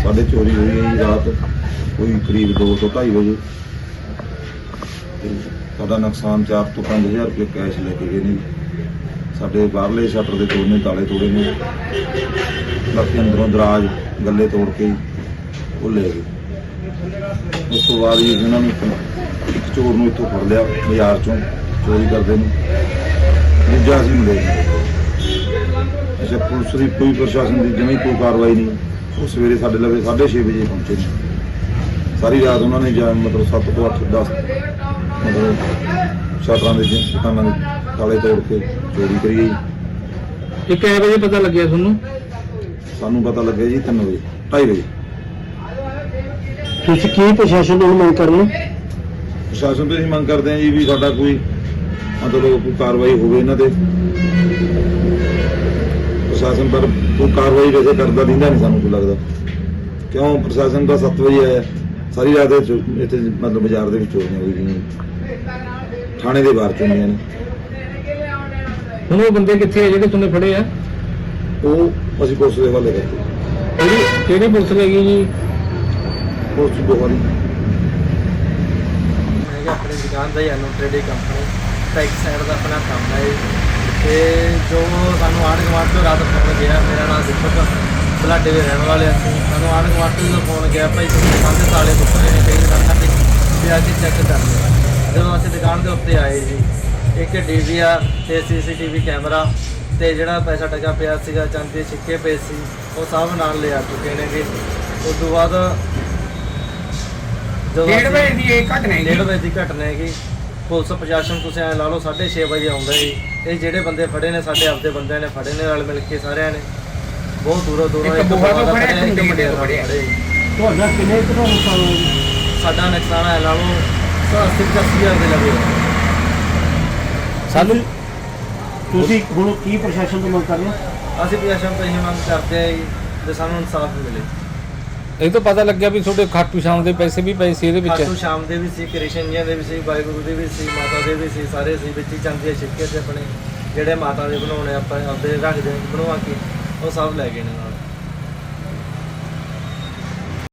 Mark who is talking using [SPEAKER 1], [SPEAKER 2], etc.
[SPEAKER 1] ਸਾਡੇ चोरी हुई है जी रात कोई करीब 2 ਤੋਂ 2:30 ਵਜੇ। ਸਾਡਾ ਨੁਕਸਾਨ 4 ਤੋਂ 5,000 ਰੁਪਏ ਕੈਸ਼ ਲੈ ਕੇ ਗਏ ਨੇ। ਸਾਡੇ ਬਾਹਰਲੇ ਸ਼ਟਰ ਦੇ ਤੋੜਨੇ, ਤਾਲੇ ਤੋੜੇ ਨੇ, ਬਾਕੀ ਅੰਦਰੋਂ ਦਰਾਜ ਗੱਲੇ ਤੋੜ ਕੇ ਉਹ ਲੈ ਗਏ। ਉਸ ਤੋਂ ਬਾਅਦ ਜੀ ਇਹਨਾਂ ਨੂੰ ਇੱਕ ਚੋਰ ਨੂੰ ਇੱਥੋਂ ਫੜ ਲਿਆ ਬਾਜ਼ਾਰ ਚੋਂ ਚੋਰੀ ਕਰਦੇ ਨੂੰ, ਦੂਜਾ ਅਸੀਂ ਮਿਲੇ। ਅੱਛਾ, ਪੁਲਿਸ ਦੀ ਕੋਈ ਪ੍ਰਸ਼ਾਸਨ ਦੀ ਜਿਵੇਂ ਕੋਈ ਕਾਰਵਾਈ ਨਹੀਂ। ਉਹ ਸਵੇਰੇ ਸਾਡੇ ਲਵੇ 6:30 ਵਜੇ ਪਹੁੰਚੇ ਨੇ। ਸਾਰੀ ਰਾਤ ਉਹਨਾਂ ਨੇ ਮਤਲਬ 7 ਤੋਂ 8 10 ਮਤਲਬ ਸ਼ਟਰਾਂ ਦੇ ਦੁਕਾਨਾਂ ਦੇ ਤਾਲੇ ਤੋੜ ਕੇ ਚੋਰੀ ਕਰੀ।
[SPEAKER 2] ਇਹ ਕਿੰਨੇ ਵਜੇ ਪਤਾ ਲੱਗਿਆ ਤੁਹਾਨੂੰ?
[SPEAKER 1] ਸਾਨੂੰ ਪਤਾ ਲੱਗਿਆ ਜੀ 3 ਵਜੇ 2:30 ਵਜੇ।
[SPEAKER 2] ਤੁਸੀਂ ਕੀ ਪ੍ਰਸ਼ਾਸਨ ਨੂੰ ਮੰਗ ਕਰ ਰਹੇ ਹੋ?
[SPEAKER 1] ਪ੍ਰਸ਼ਾਸਨ ਤੋਂ ਅਸੀਂ ਮੰਗ ਕਰਦੇ ਹਾਂ ਜੀ ਵੀ ਸਾਡਾ ਕੋਈ ਮਤਲਬ ਕੋਈ ਕਾਰਵਾਈ ਹੋਵੇ ਇਹਨਾਂ ਤੇ। ਪ੍ਰਸ਼ਾਸਨ ਪਰ ਕੋਈ ਕਾਰਵਾਈ ਵੈਸੇ ਕਰਦਾ ਦਿੰਦਾ ਨਹੀਂ ਸਾਨੂੰ ਕੋਈ ਲੱਗਦਾ, ਕਿਉਂ ਪ੍ਰਸ਼ਾਸਨ ਦਾ 7 ਵਜੇ ਆਇਆ। ਸਾਰੀ ਰਾਤ ਇੱਥੇ ਮਤਲਬ ਬਾਜ਼ਾਰ ਦੇ ਵਿੱਚ ਚੋਰੀਆਂ ਹੋਈ ਗਈਆਂ, ਥਾਣੇ ਦੇ ਬਾਹਰ ਚੋਰੀਆਂ ਨੇ।
[SPEAKER 2] ਹੁਣ ਉਹ ਬੰਦੇ ਕਿੱਥੇ ਆ ਜਿਹੜੇ ਤੁਹਾਨੂੰ ਫੜੇ ਆ?
[SPEAKER 1] ਉਹ ਅਸੀਂ ਪੁਲਿਸ ਦੇ ਹਵਾਲੇ ਕਰਤੇ।
[SPEAKER 2] ਕਿਹੜੀ ਪੁਲਿਸ ਲੈ ਗਈ ਜੀ?
[SPEAKER 1] ਪੁਲਿਸ ਦੋਵਾਂ ਦੀ।
[SPEAKER 3] मैं अपनी दुकान का ही एनो ट्रेडिंग कंपनी बैक साइड का अपना काम है। तो जो सानू आड़ गवाड़ तो रात फोन गया, मेरा नाम दीपक बलाडे के रहने वाले असं सानू आड़ गवाड़ तो जो फोन गया भाई तुम दुकान के ताले टुटे ने कई दुकान भी अभी चैक कर लिया। जो असं दुकान के उत्ते आए जी, एक DVR ते CCTV कैमरा ते जिहड़ा पैसा टका पिया सीगा, चांदी सिक्के पे सी, वो सब नाल ले आ चुके ने जी। उस तो बाद 1:30 ਵਜੇ ਦੀ ਘਟਨਾ ਹੈਗੀ। ਪੁਲਿਸ ਪ੍ਰਸ਼ਾਸਨ ਤੁਸੀਂ ਐ ਲਾ ਲਓ 6:30 ਵਜੇ ਆਉਂਦਾ ਜੀ। ਇਹ ਜਿਹੜੇ ਬੰਦੇ ਫੜੇ ਨੇ ਸਾਡੇ ਆਪਦੇ ਬੰਦਿਆਂ ਨੇ ਫੜੇ ਨੇ, ਰਲ ਮਿਲ ਕੇ ਸਾਰਿਆਂ ਨੇ ਬਹੁਤ ਦੂਰੋਂ ਇੱਕ ਬੋਹਾ ਤੋਂ ਫੜਿਆ, ਇੱਕ ਮੁੰਡੇ ਤੋਂ ਫੜਿਆ।
[SPEAKER 2] ਤੁਹਾਡਾ ਕਿੰਨੇ ਕੁ ਦਾ ਨੁਕਸਾਨ ਹੋਇਆ ਜੀ?
[SPEAKER 3] ਸਾਡਾ ਨੁਕਸਾਨ ਐ ਲਾ ਲਓ 80,000 ਦੇ ਲਵੇ।
[SPEAKER 2] ਸਾਨੂੰ ਤੁਸੀਂ ਹੁਣ ਕੀ ਪ੍ਰਸ਼ਾਸਨ ਤੋਂ ਮੰਗ ਕਰ ਰਹੇ ਹੋ?
[SPEAKER 3] ਅਸੀਂ ਪ੍ਰਸ਼ਾਸਨ ਤੋਂ ਇਹ ਮੰਗ ਕਰਦੇ ਆ ਜੀ ਕਿ ਸਾਨੂੰ ਇਨਸਾਫ ਮਿਲੇ।
[SPEAKER 2] ਇਹ ਤਾਂ ਪਤਾ ਲੱਗਿਆ ਵੀ ਤੁਹਾਡੇ ਖਾਟੂ ਸ਼ਾਮ ਦੇ ਪੈਸੇ ਵੀ ਪਏ ਸੀ ਇਹਦੇ ਵਿੱਚ।
[SPEAKER 3] ਖਾਟੂ ਸ਼ਾਮ ਦੇ ਵੀ ਸੀ, ਕ੍ਰਿਸ਼ਨ ਜੀ ਦੇ ਵੀ ਸੀ, ਵਾਹਿਗੁਰੂ ਦੇ ਵੀ ਸੀ, ਮਾਤਾ ਦੇ ਵੀ ਸੀ, ਸਾਰੇ ਸੀ ਵਿੱਚ ਹੀ। ਚਾਂਦੀ ਦੇ ਸਿੱਕੇ ਤੇ ਆਪਣੇ ਜਿਹੜੇ ਮਾਤਾ ਦੇ ਬਣਾਉਣੇ ਆਪਾਂ ਆਪਦੇ ਰੱਖਦੇ ਬਣਵਾ ਕੇ ਉਹ ਸਭ ਲੈ ਗਏ ਨੇ ਨਾਲ।